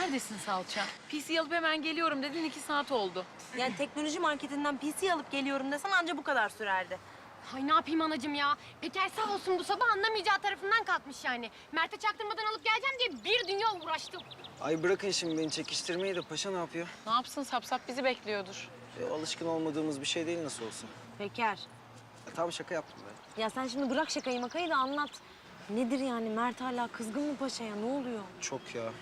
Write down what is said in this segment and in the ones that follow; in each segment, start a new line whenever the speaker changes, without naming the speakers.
Neredesin Salça? PC alıp hemen geliyorum dedin, 2 saat oldu.
Yani teknoloji marketinden PC alıp geliyorum desen anca bu kadar sürerdi.
Ay ne yapayım anacığım ya? Peker sağ olsun bu sabah anlamayacağı tarafından kalkmış yani. Mert'e çaktırmadan alıp geleceğim diye bir dünya uğraştım.
Ay bırakın şimdi beni çekiştirmeyi de paşa ne yapıyor?
Ne yapsın, sap sap bizi bekliyordur.
Alışkın olmadığımız bir şey değil nasıl olsa.
Peker.
Tam şaka yaptım ben.
Ya sen şimdi bırak şakayı makayı da anlat. Nedir yani? Mert hala kızgın mı paşaya? Ne oluyor?
Çok ya.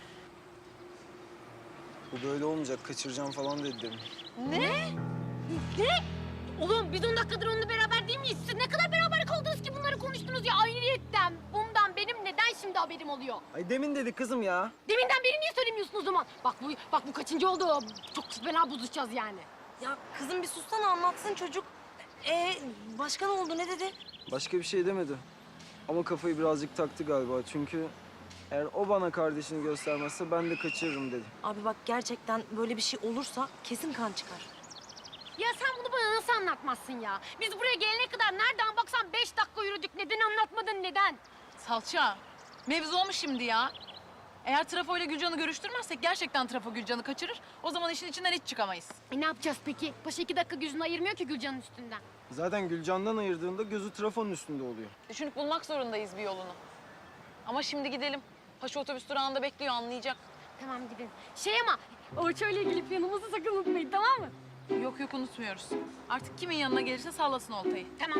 Bu böyle olmayacak, kaçıracağım falan dedi demin.
Ne? Oğlum biz 10 dakikadır onunla beraber değil miyiz? Siz ne kadar beraber kaldınız ki bunları konuştunuz ya? Ayrıyetten bundan benim neden şimdi haberim oluyor?
Ay demin dedi kızım ya.
Deminden beri niye söylemiyorsun o zaman? Bak bu kaçıncı oldu? Çok fena bozuşacağız yani.
Ya kızım bir sussana anlatsın çocuk. Başka ne oldu? Ne dedi?
Başka bir şey demedi. Ama kafayı birazcık taktı galiba çünkü eğer o bana kardeşini göstermezse ben de kaçırırım dedi.
Abi bak gerçekten böyle bir şey olursa kesin kan çıkar.
Ya sen bunu bana nasıl anlatmazsın ya? Biz buraya gelene kadar nereden baksan 5 dakika yürüdük. Neden anlatmadın, neden?
Salça, mevzu o mu şimdi ya? Eğer Trafo ile Gülcan'ı görüştürmezsek gerçekten Trafo Gülcan'ı kaçırır. O zaman işin içinden hiç çıkamayız.
Ne yapacağız peki? Paşa 2 dakika gözünü ayırmıyor ki Gülcan'ın üstünden.
Zaten Gülcan'dan ayırdığında gözü trafonun üstünde oluyor.
Düşünüp bulmak zorundayız bir yolunu. Ama şimdi gidelim. Paşa otobüs durağında bekliyor, anlayacak.
Tamam gidin. Ama Orço ile gelip yanımızı sakın unutmayın, tamam mı?
Yok yok, unutmuyoruz. Artık kimin yanına gelirse sallasın oltayı.
Tamam.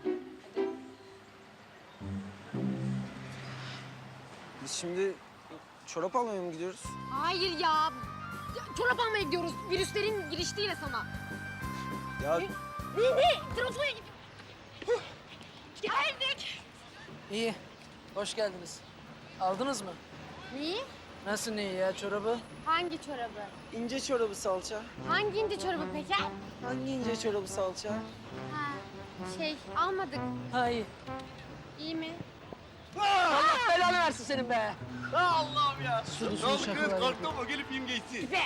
Biz şimdi çorap almaya mı gidiyoruz?
Hayır ya. Çorap almaya gidiyoruz. Virüslerin giriştiğiyle sana.
Ya
Ne? Trafoya gidiyoruz. Geldik.
İyi, hoş geldiniz. Aldınız mı?
Neyi?
Nasıl iyi ya çorabı?
Hangi çorabı?
ince çorabı salça.
Hangi ince çorabı peki?
Hangi ince çorabı salça?
Ha, almadık.
Ha iyi.
İyi mi?
Allah belanı versin senin be.
Allah'ım ya.
Sulu
Ne
sulu
oldu kız?
şakalar
Korktun mu? Gelip film geçsin.
Be.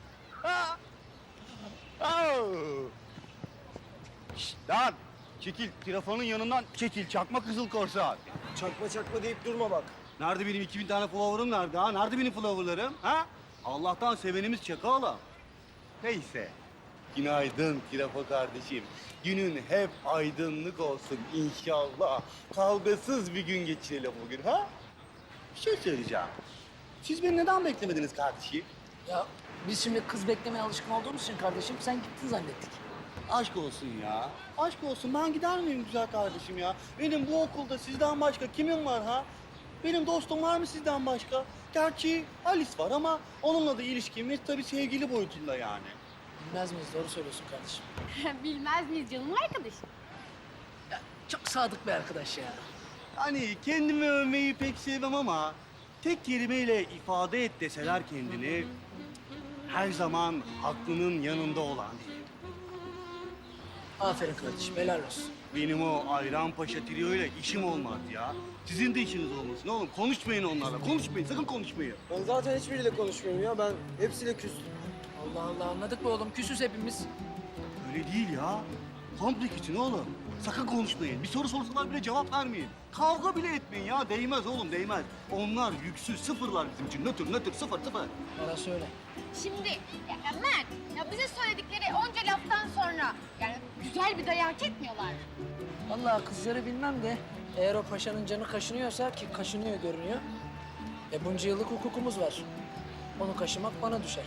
Şşt lan. Çekil. Telefonun yanından çekil. Çakma kızıl korsan.
Çakma çakma deyip durma bak.
Nerede benim 2000 tane flower'ım nerede ha? Nerede benim flower'larım ha? Allah'tan sevenimiz çakalım. Neyse. Günaydın Trafo kardeşim. Günün hep aydınlık olsun inşallah. Kavgasız bir gün geçirelim bugün ha? Bir şey söyleyeceğim. Siz beni neden beklemediniz kardeşim?
Ya biz şimdi kız beklemeye alışkın olduğumuz için kardeşim sen gittin zannettik.
Aşk olsun ya. Aşk olsun. Ben gider miyim güzel kardeşim ya? Benim bu okulda sizden başka kimim var ha? Benim dostum var mı sizden başka? Gerçi Alice var ama onunla da ilişkimiz tabii sevgili boyutunda yani.
Bilmez miyiz? Doğru söylüyorsun kardeşim.
Bilmez miyiz canım arkadaşım?
Ya çok sadık bir arkadaş ya.
Hani kendimi övmeyi pek sevmem ama tek kelimeyle ifade et deseler kendini her zaman aklının yanında olan diyeyim.
Aferin kardeşim, helal olsun.
Benim o Ayran Paşa trio ile işim olmaz ya. Sizin de işiniz olmasın oğlum. Konuşmayın onlarla. Konuşmayın. Sakın konuşmayın.
Ben zaten hiçbiriyle konuşmuyorum ya. Ben hepsiyle küstüm.
Allah Allah anladık mı oğlum? Küsüz hepimiz.
Öyle değil ya. Komple küsün oğlum. Sakın konuşmayın. Bir soru sorsalar bile cevap vermeyin. Kavga bile etmeyin ya. Değmez oğlum, değmez. Onlar yüksüz, sıfırlar bizim için. Nötr, sıfır.
Bana söyle.
Şimdi Mert, ya bize söyledikleri onca laftan sonra yani güzel bir dayak etmiyorlar.
Vallahi kızları bilmem de eğer o paşanın canı kaşınıyorsa ki kaşınıyor görünüyor. Bunca yıllık hukukumuz var. Onu kaşımak bana düşer.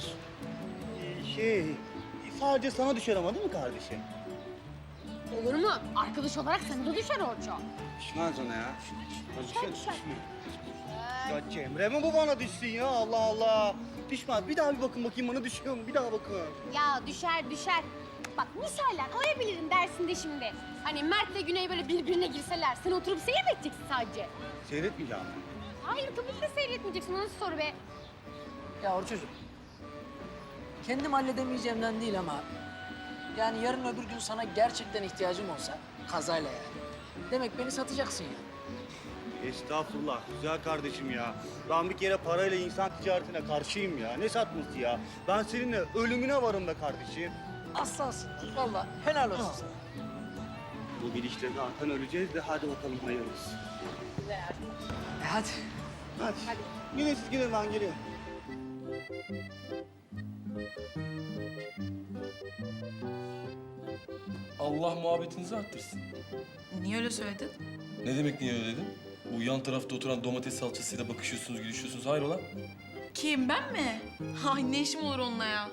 Sadece sana düşer ama değil mi kardeşim?
Olur mu? Arkadaş olarak sana da düşer Orço.
Düşmez ona ya. Düşer. Ya Cemre mi bu bana düşsün ya? Allah Allah. Düşmez. Bir daha bir bakın bakayım bana düşüyor mu? Bir daha bakın.
Ya düşer. Bak misaller oyabilirim dersinde şimdi. Hani Mert'le Güney böyle birbirine girseler sen oturup seyredeceksin sadece.
Seyretmeyeceğim.
Hayır tabii ki de seyretmeyeceksin. O nasıl soru be?
Ya Orçucuğum, kendim halledemeyeceğimden değil ama yani yarın öbür gün sana gerçekten ihtiyacım olsa kazayla yani. Demek beni satacaksın ya.
Estağfurullah güzel kardeşim ya. Ben bir kere parayla insan ticaretine karşıyım ya. Ne satması ya? Ben seninle ölümüne varım be kardeşim.
Aslansın. Vallahi helal olsun sana.
Bu gidişle zaten öleceğiz de hadi bakalım hayırlısı.
Hadi.
Hadi. Yine siz gidin ben geliyorum.
Allah muhabbetinizi arttırsın.
Niye öyle söyledin?
Ne demek niye öyle dedim? Bu yan tarafta oturan domates salçasıyla bakışıyorsunuz, gülüşüyorsunuz. Hayrola?
Kim, ben mi? Ay ne işim olur onunla ya?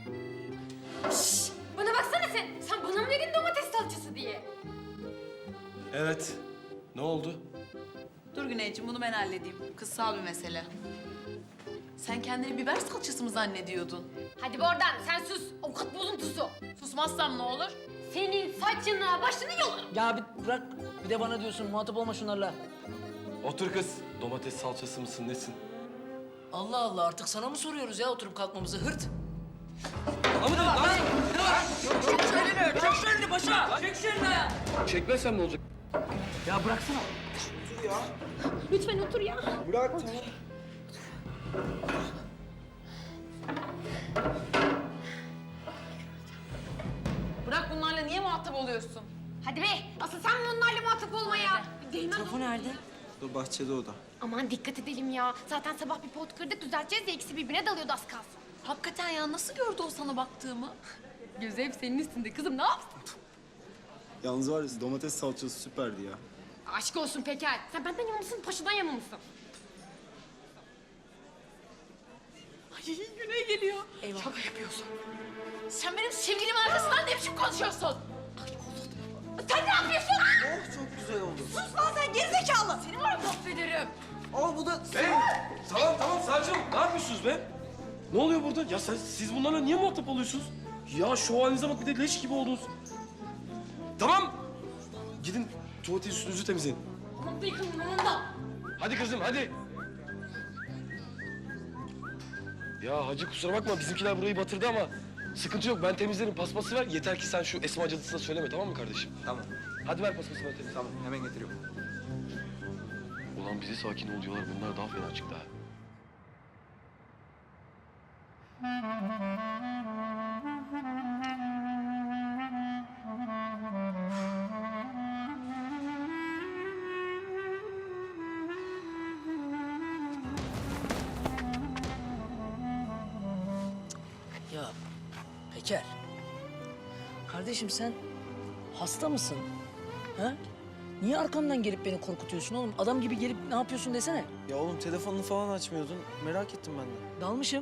Bana baksana sen. Sen bana mı dedin domates salçası diye?
Evet. Ne oldu?
Dur Güneyciğim, bunu ben halledeyim. Kızsal bir mesele. Sen kendini biber salçası mı zannediyordun?
Hadi be oradan sen sus. Avukat bozuntusu.
Susmazsam ne olur?
Senin saçını başını yolarım.
Ya bir bırak. Bir de bana diyorsun muhatap olma şunlarla.
Otur kız. Domates salçası mısın, nesin?
Allah Allah artık sana mı soruyoruz ya oturup kalkmamızı hırt?
Çekmezsem ne olacak?
Ya bıraksana.
Lütfen otur ya.
Bırak tamam.
Bırak bunlarla niye muhatap oluyorsun?
Hadi be. Asıl sen mi onlarla muhatap olma ya? Değmem.
Trafo nerede?
Dur bahçede o da.
Aman dikkat edelim ya. Zaten sabah bir pot kırdık düzelteceğiz de ikisi birbirine dalıyordu az kalsın.
Hakikaten ya, nasıl gördü o sana baktığımı? Gözü hep senin üstünde kızım, ne yapsın?
Yalnız var ya domates salçası süperdi ya.
Aşk olsun Peker. Sen benden yana mısın, paşadan yana mısın?
Ay Güney geliyor. Eyvah. Şaka yapıyorsun. Sen benim sevgilimin arkasından ne biçim konuşuyorsun? Ay Allah. Sen ne yapıyorsun?
Oh çok güzel oldu.
Sus lan sen gerizekalı. Seni var ya mahvederim.
Al bu da
Tamam sakin ol. Ne yapıyorsunuz be? Ne oluyor burada? Ya siz bunlarla niye muhatap oluyorsunuz? Ya şu halinize bak, bir de leş gibi oldunuz. Tamam. Gidin tuvalete üstünüzü temizleyin.
Aman da yıkılın aman da.
Hadi kızım hadi. Ya hacı kusura bakma, bizimkiler burayı batırdı ama sıkıntı yok, ben temizlerim. Paspası ver, yeter ki sen şu Esma cadısına söyleme, tamam mı kardeşim?
Tamam.
Hadi ver paspası, ben temizlerim.
Tamam hemen getiriyorum.
Ulan bize sakin ol diyorlar, bunlar daha fena çıktı ha.
Ya Peker. Kardeşim sen hasta mısın? Ha? Niye arkamdan gelip beni korkutuyorsun oğlum? Adam gibi gelip ne yapıyorsun desene.
Ya oğlum telefonunu falan açmıyordun. Merak ettim ben de.
Dalmışım.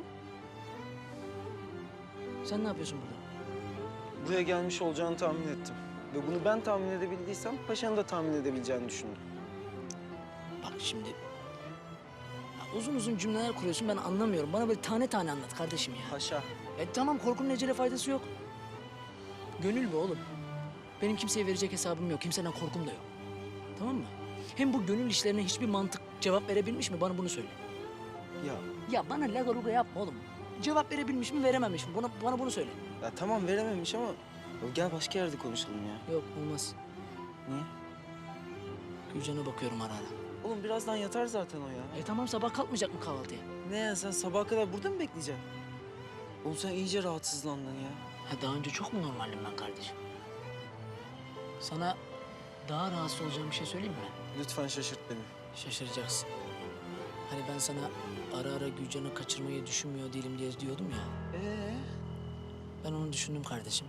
Sen ne yapıyorsun burada?
Buraya gelmiş olacağını tahmin ettim. Ve bunu ben tahmin edebildiysem Paşa'nın da tahmin edebileceğini düşündüm.
Bak şimdi... Ya uzun uzun cümleler kuruyorsun, ben anlamıyorum. Bana böyle tane tane anlat kardeşim ya.
Paşa.
Tamam, korkunun ecele faydası yok. Gönül bu oğlum. Benim kimseye verecek hesabım yok, kimseden korkum da yok. Tamam mı? Hem bu gönül işlerine hiçbir mantık cevap verebilmiş mi? Bana bunu söyle.
Ya.
Ya bana lagaluga yapma oğlum. Cevap verebilmiş mi, verememiş mi? Bana bunu söyle.
Ya tamam verememiş ama ya gel başka yerde konuşalım ya.
Yok, olmaz.
Niye?
Gülcan'a bakıyorum ara ara.
Oğlum birazdan yatar zaten o ya.
Tamam, sabah kalkmayacak mı kahvaltıya?
Ne ya sen sabaha kadar burada mı bekleyeceksin? Oğlum sen iyice rahatsızlandın ya.
Daha önce çok mu normalim ben kardeşim? Sana daha rahatsız olacağım bir şey söyleyeyim mi?
Lütfen şaşırt beni.
Şaşıracaksın. Hani ben sana ara ara Gülcan'ı kaçırmayı düşünmüyor değilim diye diyordum ya. Ben onu düşündüm kardeşim.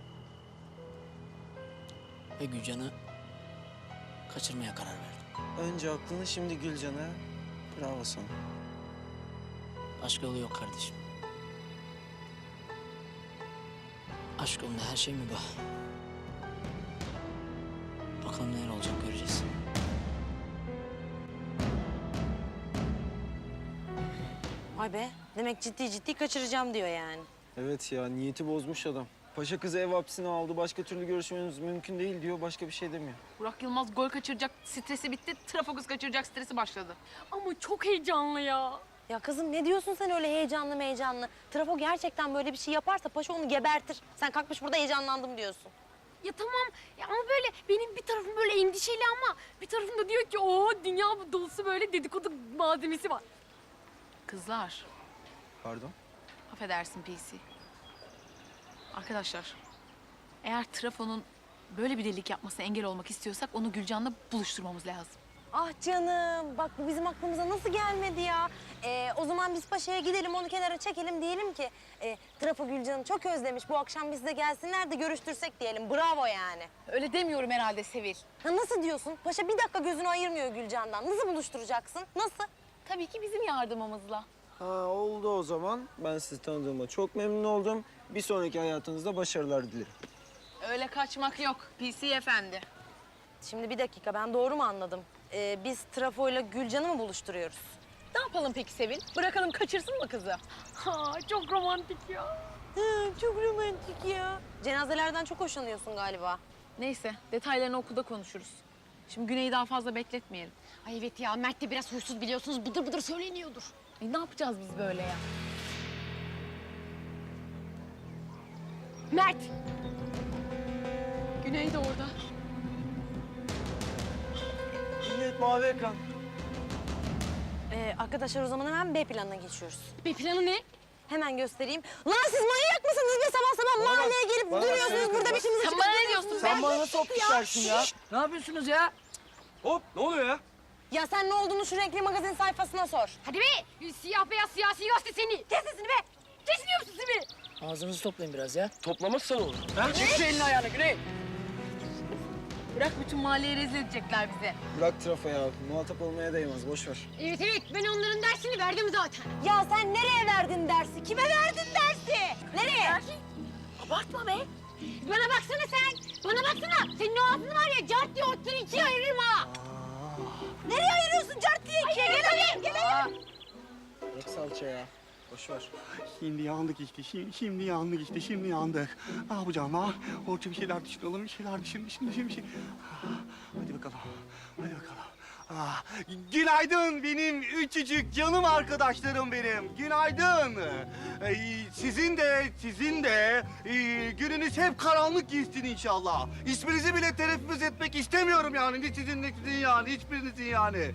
Ve Gülcan'ı kaçırmaya karar verdim.
Önce aklını şimdi Gülcan'a. Bravo sana.
Aşk yolu yok kardeşim. Aşk yolunda her şey mübah. Bakalım neler olacak, göreceğiz.
Vay be. Demek ciddi ciddi kaçıracağım diyor yani.
Evet ya niyeti bozmuş adam. Paşa kızı ev hapsine aldı. Başka türlü görüşmemiz mümkün değil diyor. Başka bir şey demiyor.
Burak Yılmaz gol kaçıracak stresi bitti. Trafokus kaçıracak stresi başladı.
Ama çok heyecanlı ya.
Ya kızım ne diyorsun sen öyle heyecanlı? Trafo gerçekten böyle bir şey yaparsa Paşa onu gebertir. Sen kalkmış burada heyecanlandım diyorsun.
Ya tamam ya ama böyle benim bir tarafım böyle endişeli ama bir tarafım da diyor ki o dünya dolusu böyle dedikodu malzemesi var.
Kızlar,
Pardon?
affedersin PC. Arkadaşlar, eğer Trafo'nun böyle bir delilik yapmasına engel olmak istiyorsak onu Gülcan'la buluşturmamız lazım.
Ah canım, bak bu bizim aklımıza nasıl gelmedi ya? O zaman biz Paşa'ya gidelim, onu kenara çekelim diyelim ki... Trafo Gülcan'ı çok özlemiş, bu akşam biz de gelsinler de görüştürsek diyelim. Bravo yani.
Öyle demiyorum herhalde Sevil.
Ha, nasıl diyorsun? Paşa bir dakika gözünü ayırmıyor Gülcan'dan. Nasıl buluşturacaksın? Nasıl?
Tabii ki bizim yardımımızla.
Ha oldu o zaman. Ben sizi tanıdığıma çok memnun oldum. Bir sonraki hayatınızda başarılar dilerim.
Öyle kaçmak yok PC efendi.
Şimdi bir dakika, ben doğru mu anladım? Biz Trafo ile Gülcan'ı mı buluşturuyoruz?
Ne yapalım peki Sevil? Bırakalım kaçırsın mı kızı?
Ha, çok romantik ya. Çok romantik ya. Cenazelerden çok hoşlanıyorsun galiba.
Neyse detaylarını okulda konuşuruz. Şimdi Güney'i daha fazla bekletmeyelim.
Ay evet ya, Mert de biraz huysuz biliyorsunuz. Bıdır bıdır söyleniyordur.
Ne yapacağız biz böyle ya?
Mert!
Güney de orada.
Millet mavi ekran.
Arkadaşlar o zaman hemen B planına geçiyoruz.
Bir planı ne?
Hemen göstereyim. Lan siz manyak mısınız be, sabah sabah
Bana bak,
mahalleye gelip
bana bak,
duruyorsunuz
bana
burada
bak.
biçimizi
Sen bana ne diyorsun be?
Sen bana nasıl top düşersin ya?
Ne yapıyorsunuz ya?
Hop ne oluyor ya?
Ya sen ne olduğunu şu renkli magazin sayfasına sor.
Hadi be! Siyah beyaz siyasi gazete seni! Kes sesini be! Kesmiyor musun seni?
Ağzınızı toplayın biraz ya.
Toplamazsan olur.
Çek şu elini ayağını Güney.
Bırak bütün mahalleyi rezil edecekler bize.
Bırak Trafo ya. Muhatap olmaya değmez. Boş ver.
Evet evet, ben onların dersini verdim zaten.
Ya sen nereye verdin dersi? Kime verdin dersi? Nereye?
Abartma be! Bana baksana sen! Bana baksana! Senin o ağzını var ya, cart diye ortadan ikiye ayırırım ha!
Nereye ayırıyorsun cart diye ikiye? Gel hadi, gel hadi.
Bırak salça ya. Boş ver.
Şimdi yandık işte, şimdi yandık işte, şimdi yandık. Ne yapacağım ha? Orça bir şeyler düşünelim, bir şeyler düşün. Hadi bakalım, hadi bakalım. Günaydın benim üçücük canım arkadaşlarım benim. Günaydın. Sizin de gününüz hep karanlık geçsin inşallah. İsminizi bile telaffuz etmek istemiyorum yani. Ne sizin ne sizin yani, hiçbirinizin yani.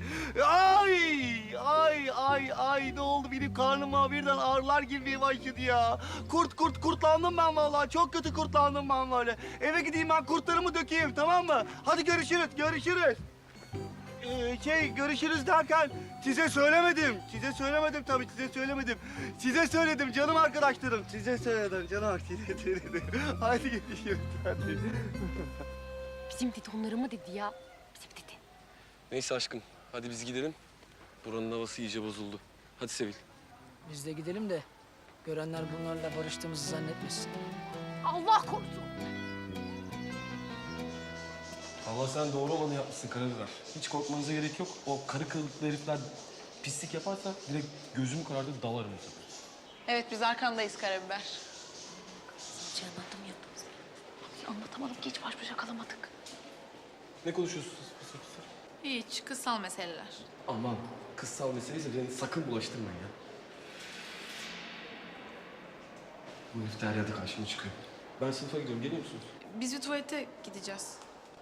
Ay ne oldu benim karnıma birden ağrılar girmeye başladı ya. Kurtlandım ben vallahi. Çok kötü kurtlandım ben böyle. Eve gideyim ben kurtlarımı dökeyim, tamam mı? Hadi görüşürüz. Görüşürüz derken size söylemedim. Size söyledim canım arkadaşlarım. Size söyledim. Hadi görüşürüz. Hadi.
Bizim dedi, onları mı dedi ya? Bizim dedi.
Neyse aşkım hadi biz gidelim. Buranın havası iyice bozuldu. Hadi Sevil.
Biz de gidelim de görenler bunlarla barıştığımızı zannetmesin.
Allah korusun!
Allah sen doğru olanı yapmışsın Karabiber. Hiç korkmanıza gerek yok. O karı kılıklı herifler pislik yaparsa direkt gözüm karardı dalarım o zaman.
Evet biz arkandayız Karabiber.
Anlattım ya.
Anlatamadım ki hiç baş başa kalamadık.
Ne konuşuyorsunuz pısır pısır?
Hiç kızsal meseleler.
Aman kızsal meseleyse beni sakın bulaştırmayın ya. Bu herif Derya'da karşıma çıkıyor. Ben sınıfa gidiyorum. Geliyor musunuz?
Biz bir tuvalete gideceğiz.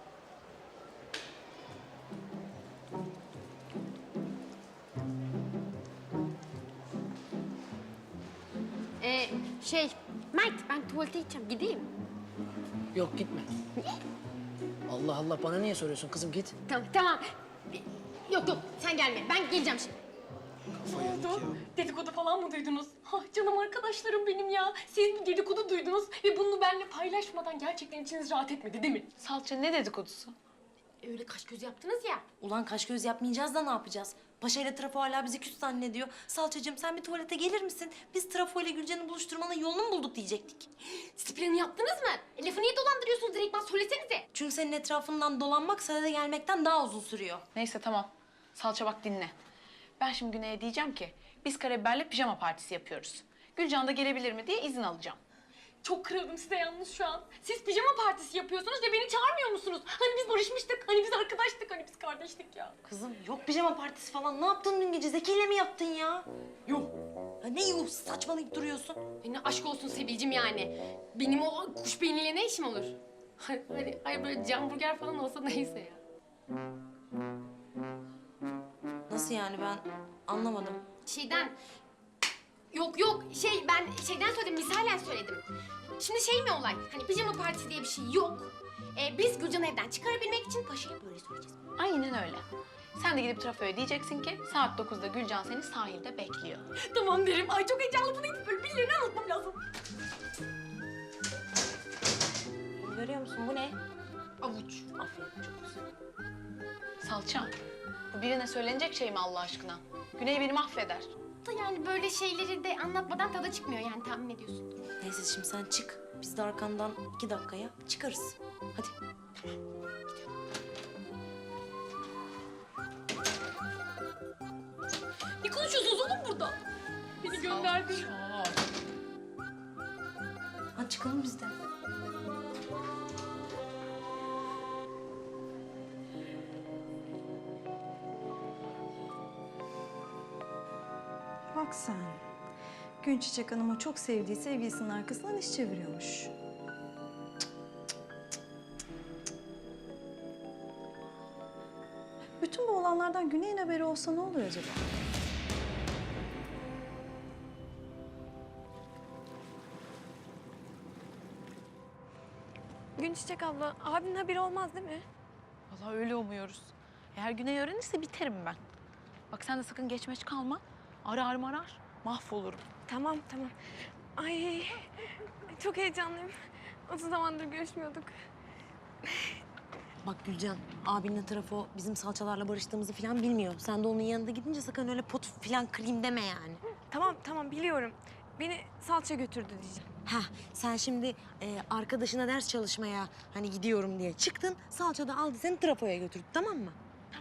Mert, ben tuvalete gideceğim, gideyim.
Yok gitme. Allah Allah, bana niye soruyorsun kızım, git.
Tamam. Yok, sen gelme, ben geleceğim şimdi.
Ne oldu?
Dedikodu falan mı duydunuz? Ah canım arkadaşlarım benim ya. Siz bir dedikodu duydunuz ve bunu benimle paylaşmadan gerçekten içiniz rahat etmedi değil mi?
Salça ne dedikodusu?
Öyle kaş göz yaptınız ya.
Ulan kaş göz yapmayacağız da ne yapacağız? Paşa ile Trafo hala bizi küs zannediyor. Salçacığım sen bir tuvalete gelir misin? Biz Trafo ile Gülcan'ı buluşturmanın yolunu mu bulduk diyecektik.
Siz planı yaptınız mı? Lafı niye dolandırıyorsunuz, direkt bana söylesenize.
Çünkü senin etrafından dolanmak sadede gelmekten daha uzun sürüyor.
Neyse tamam. Salça bak dinle. Ben şimdi Güney'e diyeceğim ki biz Karabiber'le pijama partisi yapıyoruz. Gülcan da gelebilir mi diye izin alacağım.
Çok kırıldım size yalnız şu an. Siz pijama partisi yapıyorsunuz ve beni çağırmıyor musunuz? Hani biz barışmıştık, hani biz arkadaştık, hani biz kardeştik ya.
Kızım yok pijama partisi falan. Ne yaptın dün gece? Zeki'yle mi yaptın ya? Yok. Ha, ne yuh? Saçmalayıp duruyorsun.
Ne aşk olsun Sevil'cim yani. Benim o kuş beyniyle ne işim olur? Hayır böyle camburger falan olsa neyse ya.
Nasıl yani, ben anlamadım.
Ben şeyden söyledim, misalen söyledim. Şimdi şey mi olay, hani pijama partisi diye bir şey yok. Biz Gülcan'ı evden çıkarabilmek için Paşa'ya böyle söyleyeceğiz.
Aynen öyle. Sen de gidip trafoya diyeceksin ki saat 9'da Gülcan seni sahilde bekliyor.
Tamam derim. Ay çok heyecanlı, bunu gidip böyle birilerine anlatmam lazım.
Görüyor musun bu ne?
Avuç.
Aferin çok güzel.
Salça. Bu birine söylenecek şey mi Allah aşkına? Güney beni mahveder.
Da yani böyle şeyleri de anlatmadan tadı çıkmıyor yani, tahmin ediyorsun.
Neyse şimdi sen çık. Biz de arkandan 2 dakikaya çıkarız. Hadi.
Ne konuşuyorsunuz oğlum burada? Beni gönderdi.
Hadi çıkalım biz de.
Bak sen. Günçiçek Hanım'ı çok sevdiği sevgilisinin arkasından iş çeviriyormuş. Bütün bu olanlardan Güney'in haberi olsa ne olur acaba?
Günçiçek abla, abinin haberi olmaz değil mi?
Vallahi öyle umuyoruz. Eğer Güney öğrenirse biterim ben. Bak sen de sakın geçmeç kalma. Ararım arar. Mahvolurum.
Tamam, tamam. Ay, çok heyecanlıyım. Uzun zamandır görüşmüyorduk.
Bak Gülcan, abinle trafo bizim salçalarla barıştığımızı falan bilmiyor. Sen de onun yanında gidince sakın öyle pot falan kırayım deme yani.
Tamam, tamam biliyorum. Beni salça götürdü diyeceğim.
Ha, sen şimdi arkadaşına ders çalışmaya hani gidiyorum diye çıktın. Salça da aldı seni trafoya götürdü, tamam mı?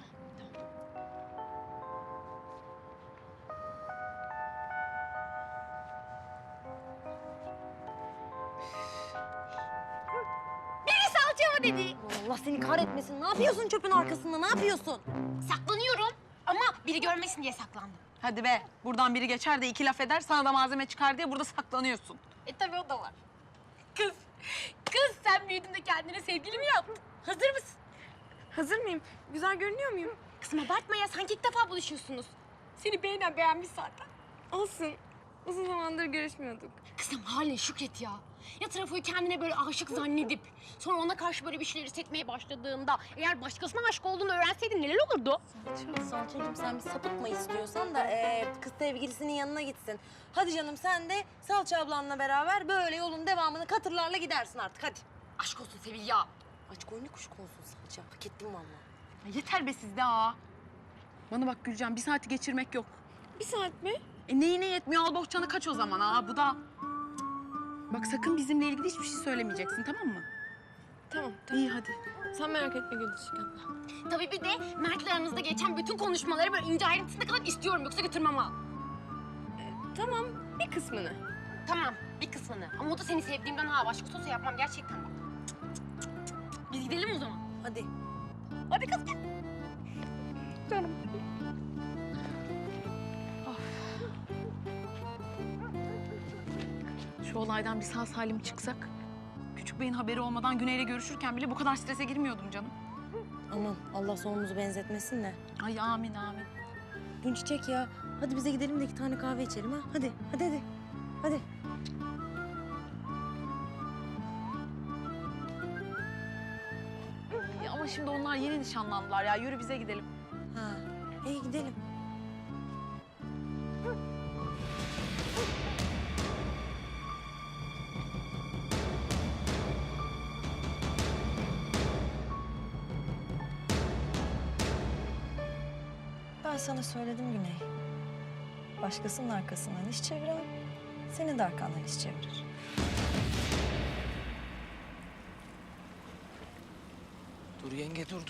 Salça mı dedi?
Allah seni kahretmesin. Ne yapıyorsun çöpün arkasında? Ne yapıyorsun?
Saklanıyorum ama biri görmesin diye saklandım.
Hadi be. Buradan biri geçer de 2 laf eder, sana da malzeme çıkar diye burada saklanıyorsun.
Tabii o da var. Kız sen büyüdün de kendine sevgili mi yaptın? Hazır mısın?
Hazır mıyım? Güzel görünüyor muyum?
Kızım abartma ya, sanki ilk defa buluşuyorsunuz.
Seni beğenmiş zaten. Olsun. Uzun zamandır görüşmüyorduk.
Kızım haline şükret ya. Ya trafoyu kendine böyle aşık zannedip sonra ona karşı böyle bir şeyler hissetmeye başladığında eğer başkasına aşık olduğunu öğrenseydin neler olurdu?
Salçacığım sen bir sapıtma istiyorsan da kız sevgilisinin yanına gitsin. Hadi canım sen de Salça ablanla beraber böyle yolun devamını katırlarla gidersin artık hadi.
Aşk olsun Sevil ya.
Aç koyunu kuşku olsun Salça. Hak ettin vallahi.
Ya yeter be sizde ha. Bana bak Gülcan, 1 saati geçirmek yok.
1 saat mi?
Neyine yetmiyor? Al bohçanı kaç o zaman ha. Bu da... Bak sakın bizimle ilgili hiçbir şey söylemeyeceksin, tamam mı?
Tamam, tamam.
İyi hadi.
Sen merak etme Gülçiçek abla.
Tabii bir de Mert'le aranızda geçen bütün konuşmaları böyle ince ayrıntısına kadar istiyorum, yoksa götürmem ha.
Tamam, bir kısmını.
Tamam, bir kısmını. Ama o da seni sevdiğimden ha. Başkası olsa yapmam gerçekten bak. Biz gidelim o zaman.
Hadi.
Hadi kız gel.
Canım.
Şu olaydan bir sağ salim çıksak... Küçük Bey'in haberi olmadan Güney'le görüşürken bile bu kadar strese girmiyordum canım.
Aman Allah sonumuzu benzetmesin de.
Ay amin amin.
Günçiçek ya. Hadi bize gidelim de 2 tane kahve içelim ha. Hadi, hadi, hadi. Hadi.
Ya ama şimdi onlar yeni nişanlandılar ya. Yürü bize gidelim.
Ha, iyi gidelim.
Ben sana söyledim Güney. Başkasının arkasından iş çeviren, senin de arkandan iş çevirir.
Dur yenge dur.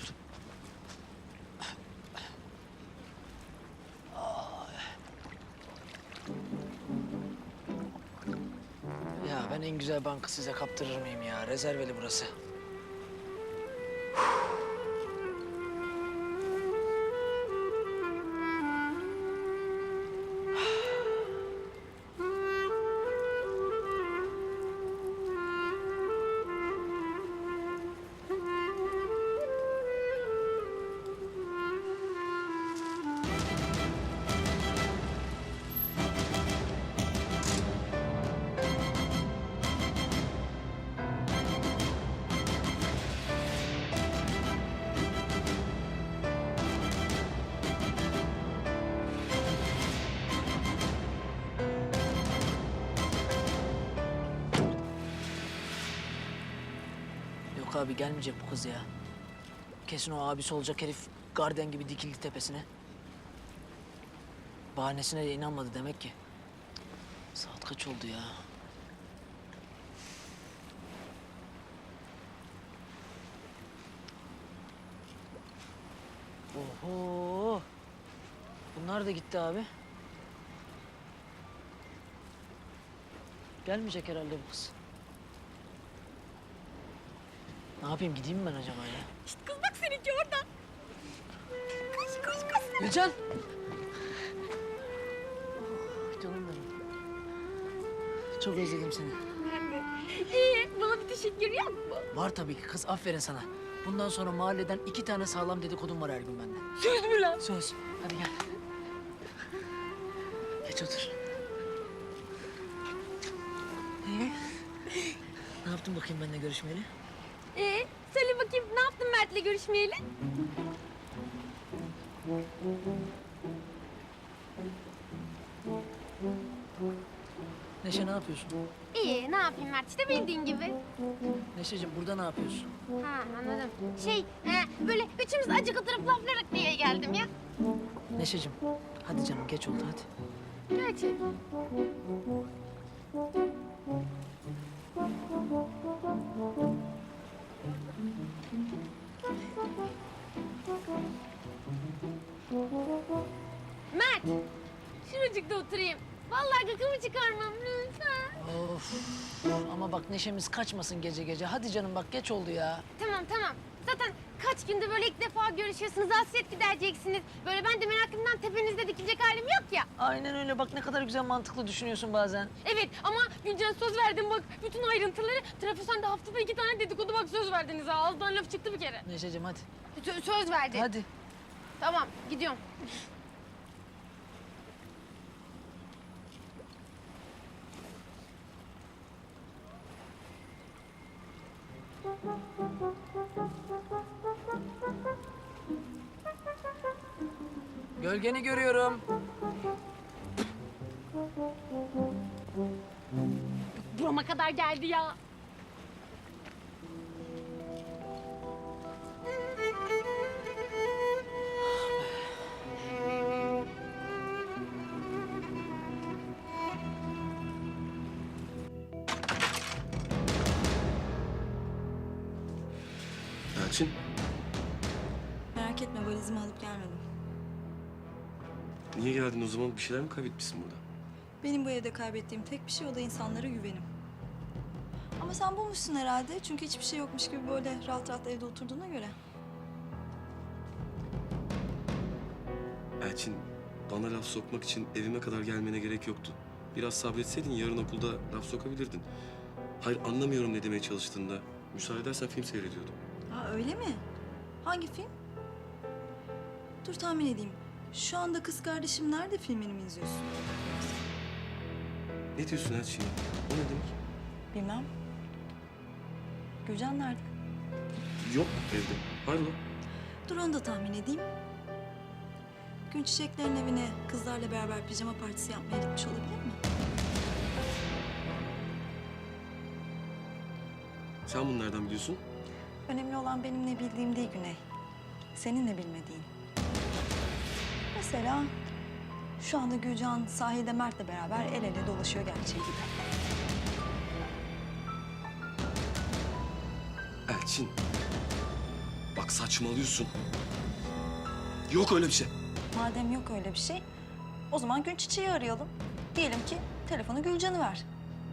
Ya ben en güzel bankı size kaptırır mıyım ya? Rezerveli burası. abi gelmeyecek bu kız ya. Kesin o abisi olacak herif garden gibi dikildi tepesine. Bahanesine de inanmadı demek ki. Saat kaç oldu ya? Oho! Bunlar da gitti abi. Gelmeyecek herhalde bu kız. Ne yapayım, gideyim mi ben acaba ya?
İşte kız bak seninki orada. Koş koş koş.
Gülcan! Oh, canım benim. Çok özledim seni.
Bana bir teşekkür yok mu?
Var tabii ki kız, aferin sana. Bundan sonra mahalleden 2 tane sağlam dedikodum var her gün benden.
Söz mü lan?
Söz. Hadi gel. Geç otur. Ne yaptın bakayım benimle görüşmeli?
Söyle bakayım ne yaptın Mert'le görüşmeyeli?
Neşe ne yapıyorsun?
İyi ne yapayım Mert işte bildiğin gibi.
Neşeciğim burada ne yapıyorsun?
Ha anladım. Böyle üçümüz acık oturup laflarak diye geldim ya.
Neşeciğim hadi canım geç oldu hadi.
Gerçi. Mert, şuracıkta oturayım. Vallahi gıkımı çıkarmam lütfen.
Of ama bak neşemiz kaçmasın gece gece. Hadi canım bak geç oldu ya.
Tamam tamam. Zaten kaç gündür böyle ilk defa görüşüyorsunuz, hasret gidereceksiniz. Böyle ben de merakımdan tepenizde dikilecek halim yok ya.
Aynen öyle bak ne kadar güzel mantıklı düşünüyorsun bazen.
Evet ama Gülcan söz verdim bak bütün ayrıntıları. Trafosan'da haftada 2 tane dedikodu bak söz verdiniz ha. Ağızdan laf çıktı bir kere.
Neşeciğim hadi.
Söz verdi.
Hadi.
Tamam gidiyorum.
Gölgeni görüyorum.
Burama kadar geldi ya.
Elçin,
Merak etme valizimi alıp gelmedim.
niye geldin o zaman? Bir şeyler mi kaybetmişsin burada?
Benim bu evde kaybettiğim tek bir şey o da insanlara güvenim. Ama sen bulmuşsun herhalde çünkü hiçbir şey yokmuş gibi böyle rahat rahat evde oturduğuna göre.
Elçin, bana laf sokmak için evime kadar gelmene gerek yoktu. Biraz sabretseydin yarın okulda laf sokabilirdin. Hayır, anlamıyorum ne demeye çalıştığında. Müsaade edersen film seyrediyordum.
Ha öyle mi? Hangi film? Dur tahmin edeyim. Şu anda kız kardeşim nerede filmini mi izliyorsun?
Ne diyorsun Elçin? O ne demek?
Bilmem. Gülcan nerede?
Yok evde. Hayrola?
Dur onu da tahmin edeyim. Gün Çiçeklerin evine kızlarla beraber pijama partisi yapmaya gitmiş olabilir mi?
Sen bunu nereden biliyorsun?
Önemli olan benim ne bildiğim değil Güney. Senin ne bilmediğin. Mesela şu anda Gülcan sahilde Mert'le beraber el ele dolaşıyor gerçeği gibi.
Elçin. Bak saçmalıyorsun. Yok öyle bir şey.
Madem yok öyle bir şey, o zaman Gün Çiçeği arayalım. Diyelim ki telefonu Gülcan'ı ver.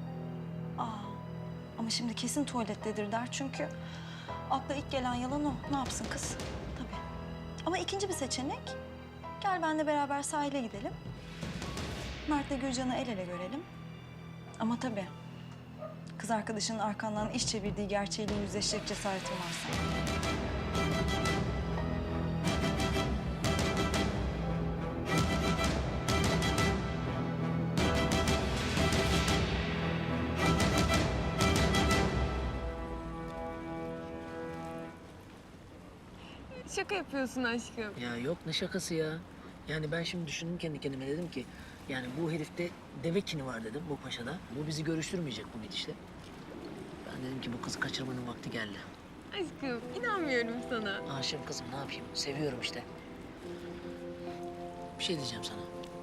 Ama şimdi kesin tuvalettedir der çünkü akla ilk gelen yalan o. Ne yapsın kız? Tabii. Ama ikinci bir seçenek, gel benle beraber sahile gidelim. Mert'le Gülcan'ı el ele görelim. Ama tabii kız arkadaşının arkandan iş çevirdiği gerçeğiyle yüzleşecek cesaretin varsa.
Şaka yapıyorsun aşkım.
Ya yok ne şakası ya. Yani ben şimdi düşündüm kendi kendime dedim ki... Yani bu herifte deve kini var dedim bu paşada. Bu bizi görüştürmeyecek bu gidişle. Ben dedim ki bu kızı kaçırmanın vakti geldi.
Aşkım inanmıyorum sana.
Aşığım kızım, ne yapayım? Seviyorum işte. Bir şey diyeceğim sana.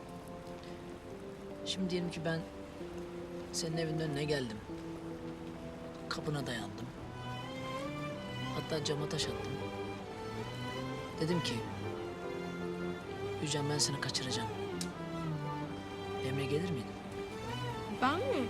Şimdi diyelim ki ben senin evinin önüne geldim. Kapına dayandım. Hatta cama taş attım. Dedim ki... Gülcan, ben seni kaçıracağım. Emre gelir miydin?
Ben mi?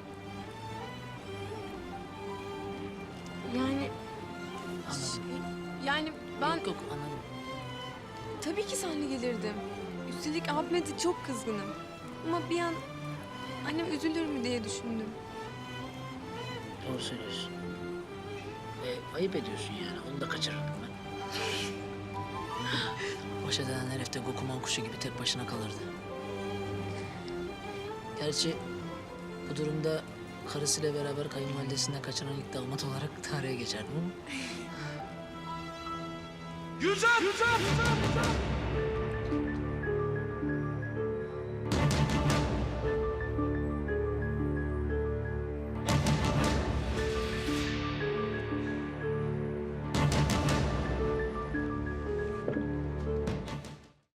Yani
Anladım.
yani ben
Yok yok, anladım.
tabii ki seninle gelirdim. Üstelik abime de çok kızgınım. Ama bir an annem üzülür mü diye düşündüm.
Doğru söylüyorsun. Ayıp ediyorsun yani. Onu da kaçırırdım ben. Baş eden herif de Gokuman kuşu gibi tek başına kalırdı. Gerçi bu durumda karısıyla beraber kayınvalidesinden kaçıran ilk damat olarak tarihe geçerdim ama...
Gülcan! Gülcan!